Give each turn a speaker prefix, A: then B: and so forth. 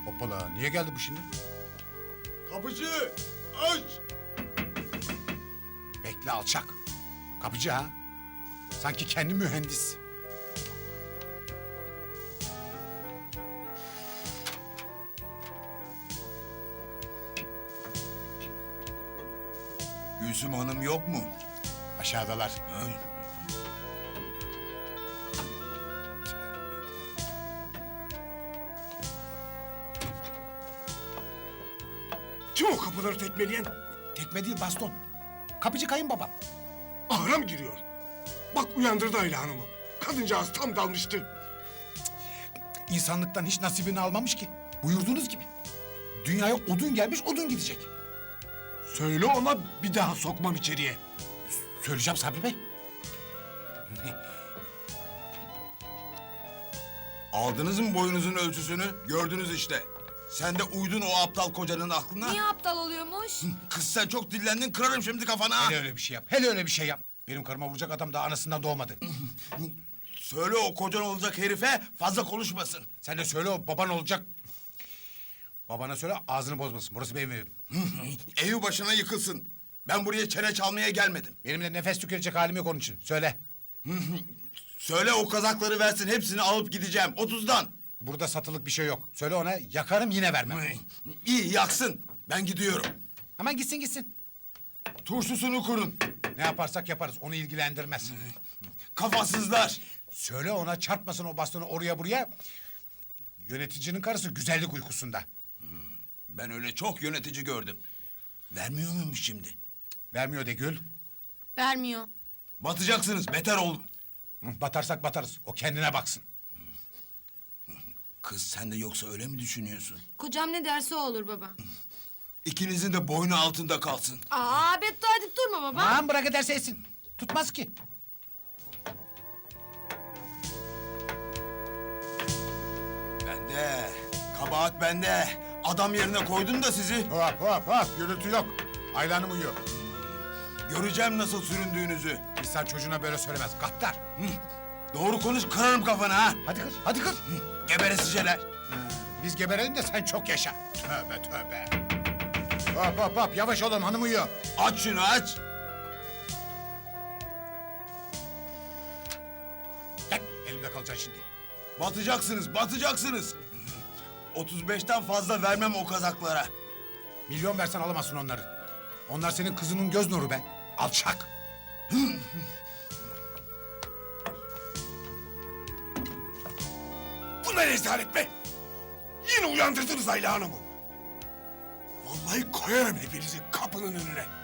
A: Hoppala, niye geldi bu şimdi?
B: Kapıcı! Aç!
A: Bekle alçak. Kapıcı ha? Sanki kendi mühendis.
B: Gülsüm Hanım yok mu?
A: Aşağıdalar.
B: Ay.
C: Kim o kapıları tekmeleyen?
A: Tekme değil baston. Kapıcı kayınbabam.
C: Ahıra mı giriyor? Bak uyandırdı Ayla Hanım'ı. Kadıncağız tam dalmıştı.
A: İnsanlıktan hiç nasibini almamış ki. Buyurduğunuz gibi. Dünyaya odun gelmiş, odun gidecek.
C: Söyle ona bir daha sokmam içeriye.
A: Söyleyeceğim Sabri Bey.
B: Aldınız mı boyunuzun ölçüsünü? Gördünüz işte. Sen de uydun o aptal kocanın aklına.
D: Niye aptal oluyormuş?
B: Kız sen çok dillendin, kırarım şimdi kafana.
A: Hele öyle bir şey yap. Hele öyle bir şey yap. Benim karıma vuracak adam daha anasından doğmadı.
B: Söyle o kocan olacak herife fazla konuşmasın.
A: Sen de söyle o baban olacak. Babana söyle ağzını bozmasın. Burası benim evim.
B: Evi başına yıkılsın. Ben buraya çene çalmaya gelmedim.
A: Benimle nefes tükürecek halim yok onun için. Söyle.
B: Söyle o kazakları versin, hepsini alıp gideceğim. 30'dan.
A: Burada satılık bir şey yok. Söyle ona yakarım yine vermem.
B: İyi yaksın. Ben gidiyorum.
A: Hemen gitsin gitsin.
B: Turşusunu kurun.
A: Ne yaparsak yaparız onu ilgilendirmez.
B: Kafasızlar.
A: Söyle ona çarpmasın o bastonu oraya buraya. Yöneticinin karısı güzellik uykusunda.
B: Ben öyle çok yönetici gördüm. Vermiyor muymuş şimdi?
A: Vermiyor de Gül.
D: Vermiyor.
B: Batacaksınız, beter olun.
A: Batarsak batarız. O kendine baksın.
B: Kız sen de yoksa öyle mi düşünüyorsun?
D: Kocam ne derse o olur baba.
B: İkinizin de boynu altında kalsın.
D: Aa beddua edip durma baba.
A: Aman bırak ederse etsin. Tutmaz ki.
B: Bende. Kabahat bende. Adam yerine koydum da sizi.
A: Hop hop hop. Gürültü yok. Ayla Hanım uyuyor.
B: Göreceğim nasıl süründüğünüzü.
A: İnsan çocuğuna böyle söylemez. Gaddar.
B: Doğru konuş, kırarım kafana ha.
A: Hadi kır. Hadi kır.
B: Geberesiceler.
A: Biz geberelim de sen çok yaşa. Tövbe tövbe. Hop hop hop. Yavaş olun hanım uyuyor.
B: Aç şunu aç.
A: Gel elimde kalacaksın şimdi.
B: Batacaksınız, batacaksınız. 35'ten fazla vermem o kazaklara.
A: Milyon versen alamazsın onları. Onlar senin kızının göz nuru be. Alçak.
C: Bu ne rezalet be? Yine uyandırdınız Ayla Hanım'ı. Vallahi koyarım hepinizi kapının önüne.